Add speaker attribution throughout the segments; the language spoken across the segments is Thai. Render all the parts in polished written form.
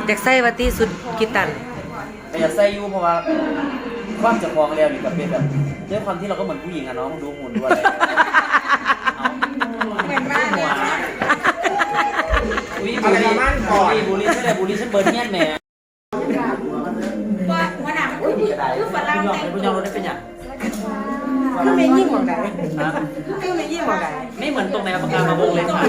Speaker 1: อยากใส่วัตตีสุดกิตัน
Speaker 2: แต่อยากใส่ยูเพราะว่าความจะคลองแล้วนี่ก็เป็นแบบด้วยความที่เราก็เหมือนผู้หญิงอะเนาะดูหุ่นดูอะไร
Speaker 3: เหมือนมากเลย
Speaker 2: อุ้ยบุรีไม่ได้บุรีฉันเบิร์นเงี้ยแม่
Speaker 3: ว่าวันนั้นคือฝรั่งแต่ง
Speaker 2: คุณยอมรถได้เป็นอย่าง
Speaker 1: คือไม่ยิ่งหมองไหน
Speaker 2: นะ
Speaker 1: คือไม่ยิ่งหมองไหน
Speaker 2: ไม่เหมือนตรงในปากกามาวงเลยค่ะ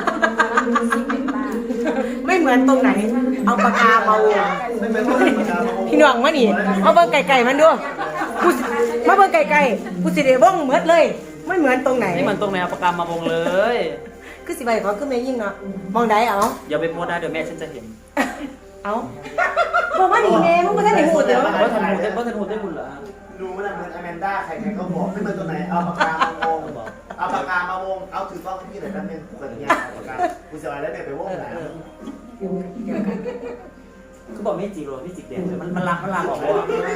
Speaker 1: ไม่เหมือนตรงไหนเอาปากกามาวงพี่น้องมานี่มาเบิ่งไก่มันดูกูมาเบิ่งไก่กูสิได้ว่องเหมือนเลยไม่เหมือนตรงไหน
Speaker 2: ไม่เหมือนตรงในปากกามาวงเลย
Speaker 1: คือสิใบเขาคือไม่ยิ่งเนาะมองได้เอา
Speaker 2: อย่าไปโพสได้เดี๋ยวแม่ฉันจะเห็น
Speaker 1: เอาบอกว่านี่แม่มึงก็ได้หูเด้อ
Speaker 2: ว่าทันหูได้บุญเหรอ
Speaker 4: รู้ว่าเหมือนอแมนด้าใครๆก็บอกไม่เหมือนตัวไหนเอาปากกามาวงเอาปากกามาวงเอาถือกล้องที่ไหนแป๊บนึงเปิดเงี้ยปากกากูจะเอาอะไรไปวงไหน
Speaker 2: เขาบอกไม่จิกหรอไม่จิกเด่นมันลักออกเลย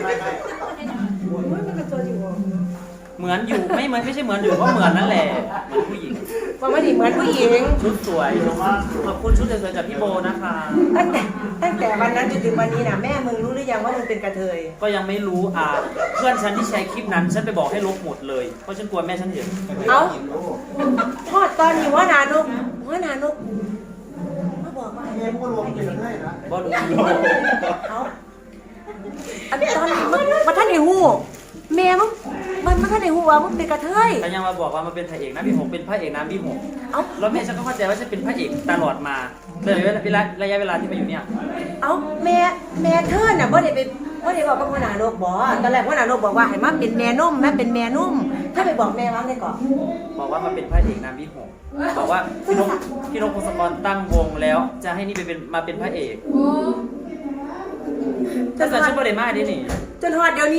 Speaker 2: เหมือนอยู่ไม่ใช่เหมือนอยู่ก็เหมือนนั่นแหละเหมือนผู้หญิง
Speaker 1: บอกว่านี่เหมือนผู้หญิง
Speaker 2: ชุดสวยขอบคุณชุดสวยๆจากพี่โบนะคะ
Speaker 1: ตั้งแต่วันนั้นจนถึงวันนี้นะแม่มึงรู้หรือยังว่ามึงเป็นกระเทย
Speaker 2: ก็ยังไม่รู้เพื่อนฉันที่ใช้คลิปนั้นฉันไปบอกให้ลบหมดเลยเพราะฉันกลัวแม่ฉันเห็น
Speaker 1: เอาทอดตอนอยู่ว่านานกมาบอกว่า
Speaker 4: เงี้ยพวกรวมกันได้นะ
Speaker 2: บอลลู
Speaker 1: เอาอันตอนมาท่านไอ้หูแม่มึงมันท่านไอ้หูว่ามึงเป็นกระเทย
Speaker 2: แต่ยังมาบอกว่ามันเป็นพระเอกนะพี่หงเป็นพระเอกน้ำพี่หง
Speaker 1: เอา
Speaker 2: แล้วแม่ฉันก็เข้าใจว่าฉันเป็นพระเอกตลอดมาเลยระยะเวลาที่มาอยู่เนี่ย
Speaker 1: เอาแม่เธอน่ะบ่ได้ไปบ่ได้บอกกับพ่อหนานกบ่ตอนแรกพ่อหนานกบอกว่าให้มาเป็นแม่นุ่มแม่เป็นแม่นุ่มถ้าไปบอกแม่ว่าไงก่อน
Speaker 2: บอกว่ามันเป็นพระเอกน้ำพี่หงบอกว่าพี่นกพงศกรตั้งวงแล้ว จะให้นี่มาเป็นพระเอกถ้าเกิดฉันประเด็นมากดินี่
Speaker 1: จนฮอดเดี๋ยวนี้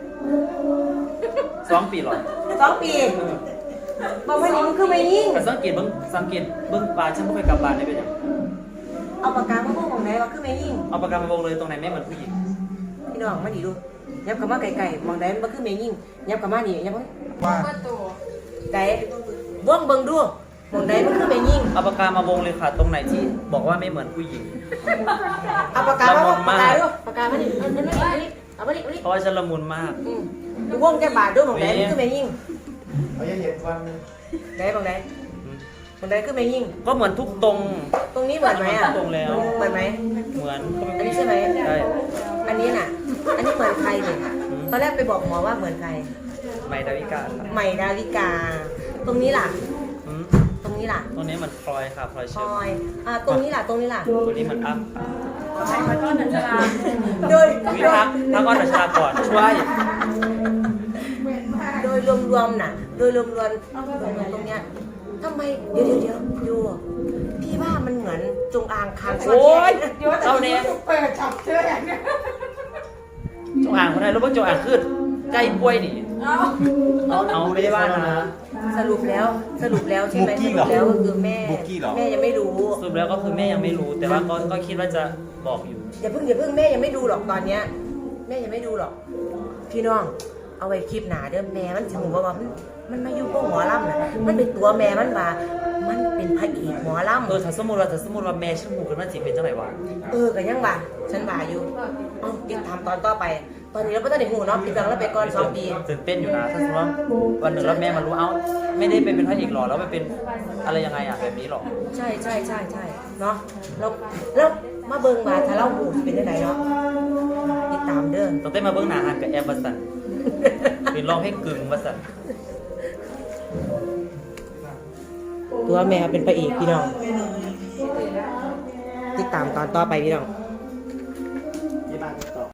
Speaker 2: 2 ปีหรอ
Speaker 1: 2 ปีบอกว่านี่มึงคือไม่ยิ่ง
Speaker 2: แต่สังเกตเบิ้งปลาฉันไม่เคยกลับบ้านได้เป็นยัง
Speaker 1: เอาปากกามาพูดของไหนว่าคือไม่ยิ่ง
Speaker 2: เอาปากกามาวงเลยตรงไหนไม่เหมือนผู้หญิง
Speaker 1: พี่น้องมาดีดูยับคำว่าไก่มองได้มันคือไม่ยิ่งยับคำว่านี่ยับว่า
Speaker 3: ประตู
Speaker 1: ไก่ว่องเบิ่งดูมองได้มันคือไม่ยิ่ง
Speaker 2: เอาปากกามาวงเลยค่ะตรงไหนที่บอกว่าไม่เหมือนผู้หญิง
Speaker 1: เอาปากกามาปากกาดูปากกามาดิเอามาดิ
Speaker 2: เพราะว่าฉันละมุนมาก
Speaker 1: ดูว่องแกบาดดูมองได้มันคือไม่ยิ่ง
Speaker 4: เขาจะเห็นความ
Speaker 1: ได้มองได้มองได้คือไม่ยิ่ง
Speaker 2: ก็เหมือนทุกตรง
Speaker 1: ตรงนี้เหมือนไหมอ่ะ
Speaker 2: ตรงแล้ว
Speaker 1: เหมือนไหม
Speaker 2: เหมือน
Speaker 1: อันนี้ใช่ไหม
Speaker 2: ใช่
Speaker 1: อันนี้น่ะอันนี้เหมือนใครเนี่ยตอนแรกไปบอกหมอว่าเหมือนใคร
Speaker 2: ไมดาวิกาค่ะ
Speaker 1: ใหม่ดาวิกา ตรงนี้ล่ะ
Speaker 2: อืม
Speaker 1: ตรงนี้ล่ะ
Speaker 2: ตรงนี้มันพลอยค่ะพลอย
Speaker 1: พ
Speaker 2: เชื่
Speaker 1: ล
Speaker 2: อม
Speaker 1: อยตรงนี้ล่ะ ตรงนี้ล่ะ
Speaker 2: ตัวนี้มันอ้ำค่ะ
Speaker 3: ใช้มาต้นหนังจรา
Speaker 1: โดย
Speaker 2: วิพักอ้อนประชากรช่วย
Speaker 1: โดยรวมๆน่ะ โดยรวมๆตรงเนี้ยทำไมเดี๋ยวดูพี่ว่ามันเหมือนจงอางคางซ่อน
Speaker 2: โอ้ย
Speaker 1: แยก
Speaker 2: เอาเนี่ย
Speaker 3: เปิดจับเชือกเนี่ย
Speaker 2: จงอ่างคนไทยรู้ว่าจงอ่างขึ้นใกล้ป่วยนี่
Speaker 3: เอา
Speaker 2: เอาไม่ได้ว่านะ
Speaker 1: สรุปแล้วใช่ไหมสรุปแล้วก็คือแม่ยังไม่รู้
Speaker 2: สรุปแล้วก็คือแม่ยังไม่รู้ แต่ว่าก็คิดว่าจะบอกอยู่
Speaker 1: อย่าเพิ่งแม่ยังไม่ดูหรอกตอนเนี้ยแม่ยังไม่ดูหรอก พี่น้องเอาไว้คลิปหนาเด้อแม่มันถึงว่ามันมาอยู่พวกหมอลำน่ะมันเป็นตัวแม่มันว่ามันเป็นพระเอกหมอลำ
Speaker 2: ถ้าสมมติว่าแม่ฉันหูกันว่าจีเป็นจังไหนวะ
Speaker 1: ก็ยังว่าฉันว่าอยู่ติดตามตอนต่อไป ตอนนี้เราไม่ต้องได้หูเนาะปิดบังแล้วไปก่อน2 ปี
Speaker 2: ตื่นเต้นอยู่นะถ้าสมมติว่าวันหนึ่งแล้วแม่มารู้เอ้าไม่ได้เป็นพระเอกหรอแล้วไปเป็นอะไรยังไงอ่ะแบบนี้หรอ
Speaker 1: ใช่เนาะแล้วมาเบิ่งว่าถ้าเราหูเป็นยังไงเนาะติดตามเด้อ
Speaker 2: ต้องเต้นมาเบื้องหน้าหันกับแอมวัสันเป็นร้องให้กึ่งวัสัน
Speaker 1: ตัวแม่เป็นพระเอกพี่น้องติดตามตอนต่อไปพี่น้อง
Speaker 4: ยี่บ้านต่อ